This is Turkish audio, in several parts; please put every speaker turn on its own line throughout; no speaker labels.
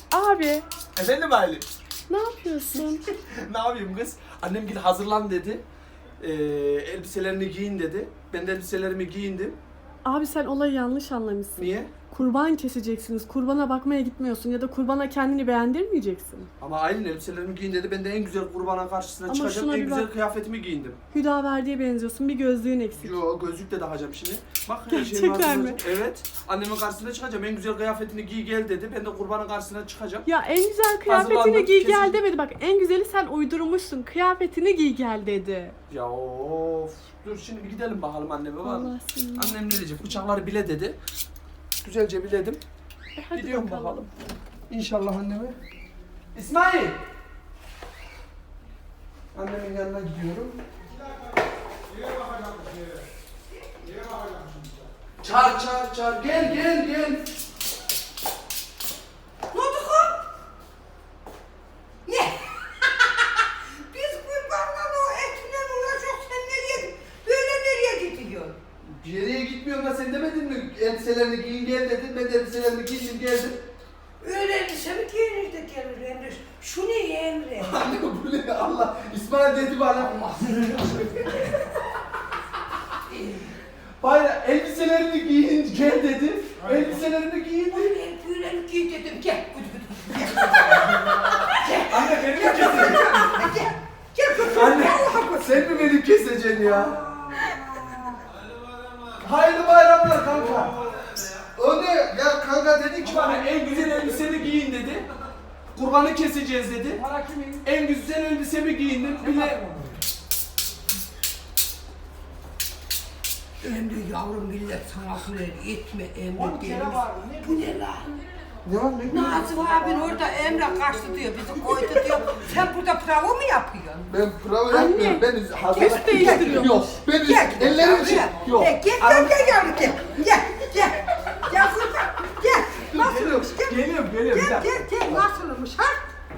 Abi
Efendim Aylin?
ne yapıyorsun?
Ne yapayım kız? Annem git hazırlan dedi. Elbiselerini giyin dedi. Ben de elbiselerimi giyindim.
Abi sen olayı yanlış anlamışsın.
Niye?
Kurban keseceksiniz. Kurbana bakmaya gitmiyorsun ya da kurbana kendini beğendirmeyeceksin.
Ama Aylin elbiselerimi giyin dedi. Ben de en güzel kurbana karşısına
Ama
çıkacağım.
şuna
En
bir
güzel
bak.
kıyafetimi giyindim.
Hüdaverdi'ye benziyorsun. Bir gözlüğün eksik.
Yo gözlük de takacağım şimdi. Bak her şeyim
Gerçekten mi?
hazır. Evet. Annemin karşısına çıkacağım. En güzel kıyafetini giy gel dedi. Ben de kurbanın karşısına çıkacağım.
Ya en güzel kıyafetini
Hazırlandım,
giy
kesin.
gel demedi. Bak en güzeli sen uydurmuşsun. Kıyafetini giy gel dedi.
Ya of. Dur şimdi bir gidelim bakalım anneme var mı?
Allah seni.
Annem ne diyecek? Bıçakları bile dedi. Güzelce biledim.
Hadi
Gidiyorum bakalım. İnşallah anneme. İsmail! Annemin yanına gidiyorum. Çağır. Gel.
Ne oldu kız? Ne? Biz kurbanla o etinden uğraşıyoruz. Sen nereye, böyle nereye gidiyorsun?
Bir yere gitmiyorum da sen demedin mi? Elbiselerini giyin gel dedin. Ben de elbiselerimi giydim geldim.
Öyle elbise mi giyinir de gelir Emre? Şu ne Emre?
Anne bu ne Allah? İsmail dedi bana. Bayra elbiselerini giyin gel dedi. Elbiselerini giyindim.
Ben böyle mi giy dedim. Gel.
Anne beni mi keseceksin?
Gel kız.
Anne sen mi beni keseceksin ya? Hayırlı bayramlar kanka. O ne? Ya kanka dedi ki bana en güzel elbiseni giyin dedi. Kurbanı keseceğiz dedi.
Para kimin?
En güzel elbisemi giyindim. Bile
Emre yavrum millet sana sürer etme Emre diyelim. Bu ne lan?
ne var ne?
Nazım abin orada Emre kaçtı diyor, bizi koydu diyor. Sen burada pravo mu yapıyorsun?
Ben prova
Anne,
yapmıyorum. Ben hazır.
üst değiştiriyormuş.
Yok. Ben
Gel,
ellerim için. Yok.
Gel yavrum gel. Gel. Gel kurban. Gel. Nasılmış? Gel.
Geliyorum.
Gel. Nasılmış ha?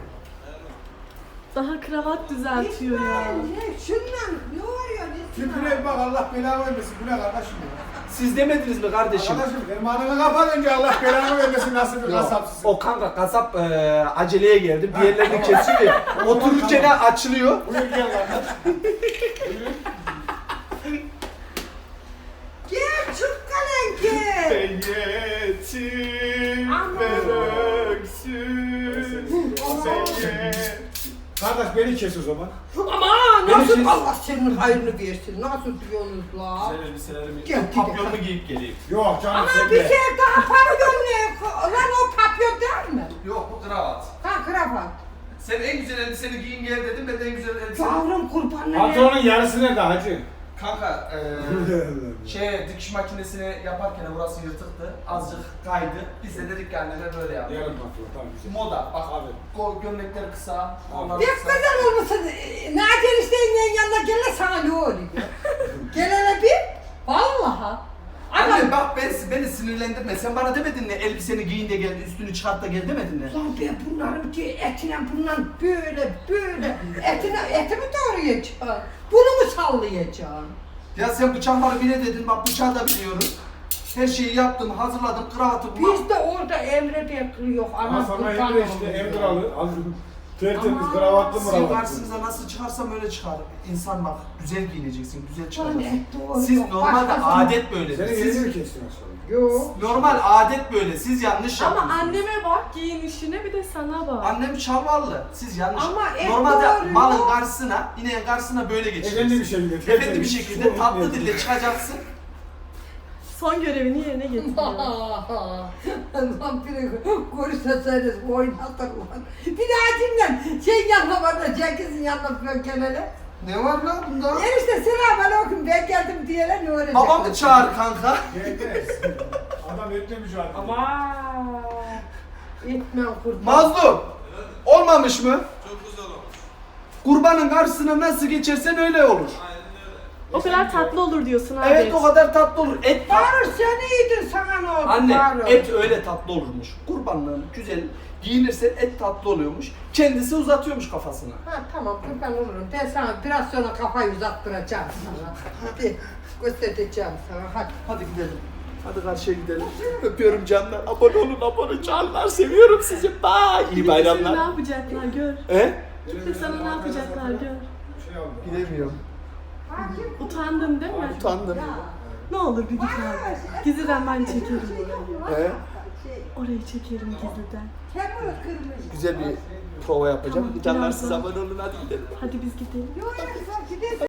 Daha kravat düzeltiyor ya.
Ne? Şundan ne oluyor?
Tüpüne bak Allah belanı vermesin. Bu ne kardeşim ya?
Siz demediniz mi kardeşim?
Kardeşim benim ananı kapat önce Allah belanı vermesin nasıl bir
Yok.
kasapsın.
O kanka kasap aceleye geldi. Bir yerlerini kesiyor ya. Otururken açılıyor.
Buyur gel kardeş.
Gel çık kalen gel.
Yetim
Aman.
ben öksüz. Kardeş beni kes o zaman.
Ama
Beni
nasıl
kes.
Allah senin hayrını versin. Nasıl diyorsunuz la?
elbiselerimi
Gel,
papyonlu giyip geleyim.
Yok canım
Ama
sen
bir
de.
şey daha papyon ne? Lan o papyon değil mi?
Yok bu kravat.
Ha kravat.
Sen en güzel elbiseni giyin gel dedim. Ben de en güzel elbiseni...
Yavrum kurbanla
Pantolonun yarısı nerede hacı?
Kanka dikiş makinesini yaparken burası yırtıktı. Azıcık kaydı. Biz de dedik ki anneme böyle yap.
Yarım pantolon tamam güzel.
Moda. Bak
Abi.
gömlekler kısa. Onlar
Ne
kısa.
kadar olmasa Nadir Hüseyin'in yanına gele sana ne oluyor? Gelene bir. Vallahi.
Anne
Adam.
bak beni sinirlendirme. Sen bana demedin mi elbiseni giyin de gel, üstünü çıkart da gel demedin mi?
Lan ben bunların ki etine bundan böyle etimi doğrayacağım. Bunu mu sallayacağım?
Ya sen bıçakları bile dedin. Bak bıçağı da biliyorum. Her şeyi yaptım, hazırladım, kravatı bulmak.
Biz de orada Emre bekliyor.
Ama
Ana
sana
kurban
Emre işte
olsun.
Emre alır. Tertemiz
Aman.
kravatlı
Sizin
mıravatlı.
karşınıza nasıl çıkarsam öyle çıkar. İnsan bak, güzel giyineceksin, güzel çıkacaksın.
Lan, doğru.
Siz normalde
Başkası-
adet böyle.
Senin
Siz
elini mi kestin aslında?
Yok.
normal adet böyle. Siz yanlış
Ama
yapıyorsunuz.
anneme bak giyinişine bir de sana bak.
Annem çavallı. Siz yanlış.
Ama
Normalde
doğru.
malın karşısına, ineğin karşısına böyle geçeceksin.
Efendi bir şekilde.
Efendi bir
tertemiz.
şekilde tatlı dille çıkacaksın.
Son görevini yerine getiriyor.
Lan biri görürseniz oynatır ulan. Bir daha kimden? Şey yanına var da Cengiz'in yanına falan gelene.
Ne var lan bunda?
Enişte selamünaleyküm ben geldim diyene ne öğrenecek?
Babamı çağır kanka.
Gelmez. Adam etle mücadele.
Aman. Etmem kurban.
Mazlum. Olmamış mı? Çok güzel olmuş. Kurbanın karşısına nasıl geçersen öyle olur.
O kadar tatlı olur diyorsun abi.
Evet o kadar tatlı olur. Et
Bağır sen iyiydin sana ne oldu?
Anne
Bağır.
et öyle tatlı olurmuş. Kurbanlığın güzel giyinirsen et tatlı oluyormuş. Kendisi uzatıyormuş kafasını.
Ha tamam kurban olurum. Ben sana biraz sonra kafayı uzattıracağım sana. Hadi göstereceğim sana hadi.
Hadi gidelim. Hadi karşıya gidelim. Öpüyorum canlar. Abone olun, abone canlar. Seviyorum sizi. Bye. İyi
Seni ne
bayramlar.
yapacaklar gör.
He?
Gidip sana ne yapacaklar gör.
Şey aldım.
Gidemiyorum.
Utandın değil mi?
Utandım.
Ne olur bir git abi. Gizliden ben çekerim orayı.
He?
Orayı çekerim gizliden.
Kemur kırmızı.
Güzel bir prova yapacağım.
Tamam,
Canlar
biraz
siz
daha.
abone olun, hadi gidelim.
Hadi biz gidelim.
Yok, sen gidelim.